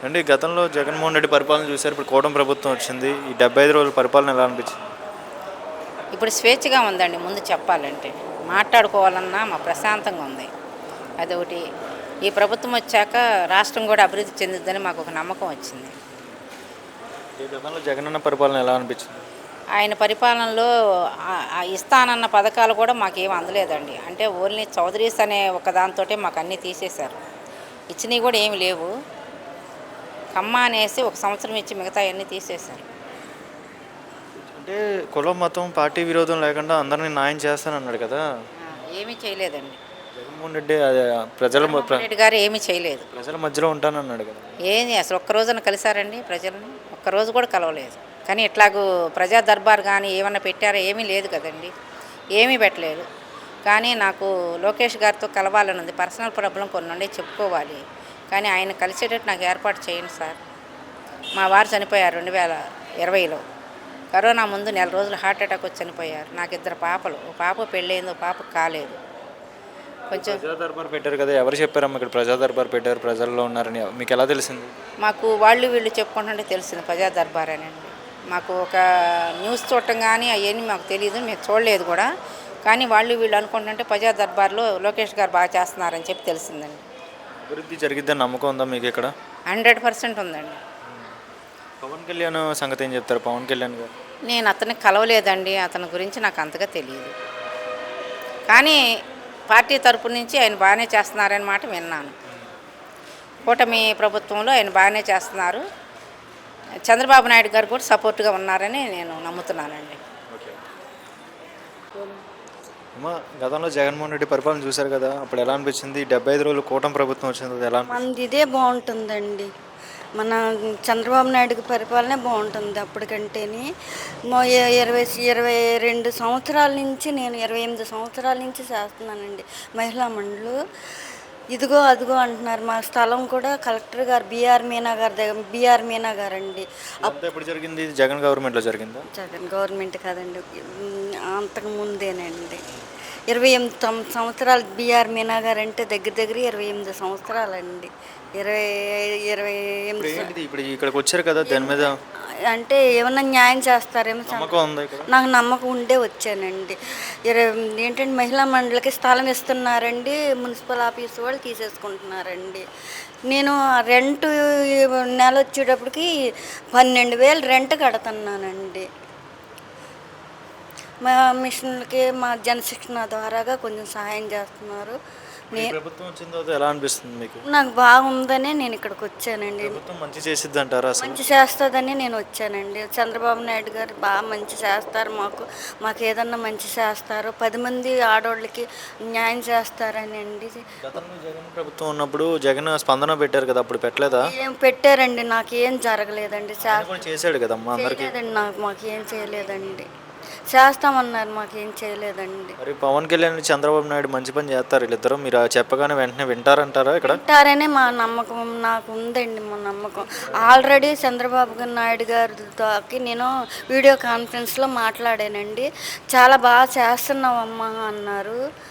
అంటే గతంలో జగన్మోహన్ రెడ్డి పరిపాలన చూసారు. ఇప్పుడు కూటమి ప్రభుత్వం వచ్చింది. ఈ 75 రోజుల పరిపాలన ఎలా అనిపించింది? ఇప్పుడు స్వేచ్ఛగా ఉందండి ముందు చెప్పాలంటే. మాట్లాడుకోవాలన్నా ప్రశాంతంగా ఉంది. అదొకటి. ఈ ప్రభుత్వం వచ్చాక రాష్ట్రం కూడా అభివృద్ధి చెందుద్దని మాకు ఒక నమ్మకం వచ్చింది. ఈ గతంలో జగనన్న పరిపాలన ఎలా అనిపించింది? ఆయన పరిపాలనలో ఇస్తానన్న పథకాలు కూడా మాకేం అందలేదండి. అంటే ఓన్లీ చౌదరీస్ అనే ఒక దాంతోటే మాకు అన్నీ తీసేశారు. ఇచ్చినవి కూడా ఏమి లేవు. కమ్మ అనేసి ఒక సంవత్సరం ఇచ్చి మిగతా అన్నీ తీసేశారు. అంటే కులం, మతం, పార్టీ విరోధం లేకుండా అందరిని న్యాయం చేస్తానన్నాడు కదా! ఏమీ చేయలేదండి. జగన్మోహన్ రెడ్డి అదే జగన్మోహన్ రెడ్డి గారు ఏమీ చేయలేదు. ప్రజల మధ్యలో ఉంటానన్నాడు కదా! ఏంది అసలు ఒక్క రోజున కలిసారండి ప్రజల్ని? ఒక్కరోజు కూడా కలవలేదు. కానీ ఇట్లాగూ ప్రజా దర్బార్ కానీ ఏమన్నా పెట్టారా? ఏమీ లేదు కదండి. ఏమీ పెట్టలేదు. కానీ నాకు లోకేష్ గారితో కలవాలని ఉంది. పర్సనల్ ప్రాబ్లం కొన్ని ఉండే చెప్పుకోవాలి. కానీ ఆయన కలిసేటట్టు నాకు ఏర్పాటు చేయండి సార్. మా వారు చనిపోయారు 2020లో. కరోనా ముందు నెల రోజులు హార్ట్ అటాక్ వచ్చి చనిపోయారు. నాకు 2 పాపలు. ఓ పాప పెళ్ళయింది, ఓ పాప కాలేదు. కొంచెం ప్రజా దర్బార్ పెట్టారు కదా! ఎవరు చెప్పారమ్మా ఇక్కడ ప్రజా దర్బార్ పెట్టారు, ప్రజల్లో ఉన్నారని మీకు ఎలా తెలిసింది? మాకు వాళ్ళు వీళ్ళు చెప్పుకుంటుంటే తెలిసింది ప్రజా దర్బార్ అని అండి. మాకు ఒక న్యూస్ చూడటం కానీ అవన్నీ మాకు తెలియదు, మేము చూడలేదు కూడా. కానీ వాళ్ళు వీళ్ళు అనుకుంటుంటే ప్రజా దర్బార్లో లోకేష్ గారు బాగా చేస్తున్నారని చెప్పి తెలిసిందండి. అభివృద్ధి జరిగిద్దని నమ్మకం ఉందా మీకు ఇక్కడ? 100% ఉందండి. పవన్ కళ్యాణ్ సంగతి ఏం చెప్తారు? పవన్ కళ్యాణ్ గారు నేను అతన్ని కలవలేదండి. అతని గురించి నాకు అంతగా తెలియదు. కానీ పార్టీ తరపు నుంచి ఆయన బాగానే చేస్తున్నారని మాట విన్నాను. కూటమి ప్రభుత్వంలో ఆయన బాగానే చేస్తున్నారు. చంద్రబాబు నాయుడు గారు కూడా సపోర్ట్గా ఉన్నారని నేను నమ్ముతున్నానండి. ఓకే. అమ్మా, గతంలో జగన్మోహన్ రెడ్డి పరిపాలన చూశారు కదా! అప్పుడు ఎలా అనిపించింది? 75 రోజులు కూటమి ప్రభుత్వం వచ్చింది కదా! ఎలా అనిపించింది? మనది ఇదే బాగుంటుందండి. మన చంద్రబాబు నాయుడుకి పరిపాలనే బాగుంటుంది అప్పటికంటేని. 22 సంవత్సరాల నుంచి, నేను 28 సంవత్సరాల నుంచి చేస్తున్నానండి మహిళా మండలు. ఇదిగో అదిగో అంటున్నారు. మా స్థలం కూడా కలెక్టర్ గారు బిఆర్ మీనా గారి దగ్గర, బిఆర్ మీనా గారండి. ఇదంతా ఎప్పుడు జరిగింది? ఇది జగన్ గవర్నమెంట్లో జరిగిందా? జగన్ గవర్నమెంట్ కాదండి, అంతకు ముందేనండి. 28 సంవత్సరాలు బిఆర్ మీనా గారు అంటే దగ్గర దగ్గర 28 సంవత్సరాలండి. 28 ఏంటిది ఇప్పుడు ఇక్కడికి వచ్చారు కదా, దాని మీద అంటే ఏమన్నా న్యాయం చేస్తారేమో నమ్మకం ఉందా ఇక్కడ? నాకు నమ్మకం ఉండే వచ్చానండి. ఏంటంటే మహిళా మండలికి స్థలం ఇస్తున్నారండి, మున్సిపల్ ఆఫీస్ వాళ్ళు తీసేసుకుంటున్నారండి. నేను రెంట్ నెల వచ్చేటప్పటికి 12,000 రెంట్ కడుతున్నానండి. మా మిషన్లకి మా జనశిక్షణ ద్వారాగా కొంచెం సహాయం చేస్తున్నారు. ఈ ప్రభుత్వం వచ్చిన తర్వాత ఎలా అనిపిస్తుంది మీకు? నాకు బాగుందనే నేను ఇక్కడికి వచ్చానండి. ప్రభుత్వం మంచి చేసిద్ది అంటారా అసలు? మంచి చేస్తుందని నేను వచ్చానండి. చంద్రబాబు నాయుడు గారు బాగా మంచి చేస్తారు. మాకు ఏదన్నా మంచి చేస్తారు. 10 మంది ఆడవాళ్ళకి న్యాయం చేస్తారని అండి. గతంలో జగన్ ప్రభుత్వం ఉన్నప్పుడు జగన్ స్పందన పెట్టారు కదా, అప్పుడు పెట్టలేదా? ఏం పెట్టారండి, నాకు ఏం జరగలేదండి. ఆయన కూడా చేశాడు కదమ్మా అందరికి. చేయలేదండి, మాకేం చేయలేదండి. చేస్తామన్నారు, మాకేం చేయలేదండి. మరి పవన్ కళ్యాణ్ చంద్రబాబు నాయుడు మంచి పని చేస్తారు వీళ్ళిద్దరు. మీరు చెప్పగానే వెంటనే వింటారంటారా ఇక్కడ? వింటారనే మా నమ్మకం, నాకు ఉందండి మా నమ్మకం. ఆల్రెడీ చంద్రబాబు నాయుడు గారితో నేను వీడియో కాన్ఫరెన్స్లో మాట్లాడానండి. చాలా బాగా చేస్తున్నావమ్మా అన్నారు.